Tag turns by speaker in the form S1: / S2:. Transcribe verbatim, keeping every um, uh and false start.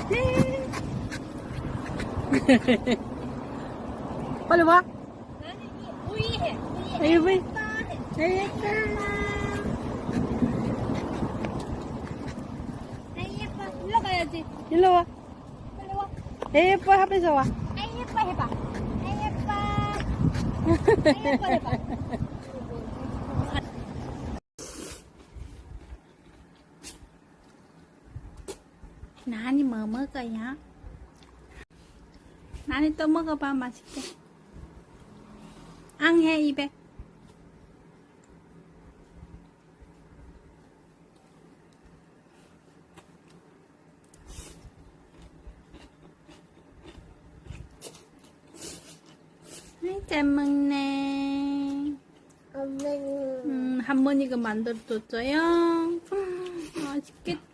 S1: 빨리 와.
S2: 나는 이 우이해.
S1: 에이, 왜?
S2: 우이해.
S1: 에이,
S2: 아이 예뻐. 일로 가야지.
S1: 일로 와.
S2: 빨리 와.
S1: 에이, 예뻐 하면서 와.
S2: 아이 예뻐 해봐. 아이 예뻐. 아이 예뻐 해봐.
S1: 나니 뭐 먹어요? 나니 또 먹어봐. 맛있게. 앙해 입에. 아이, 잘 먹네.
S2: 엄마는
S1: 음, 할머니가 만들어줬어요. 음, 맛있겠다.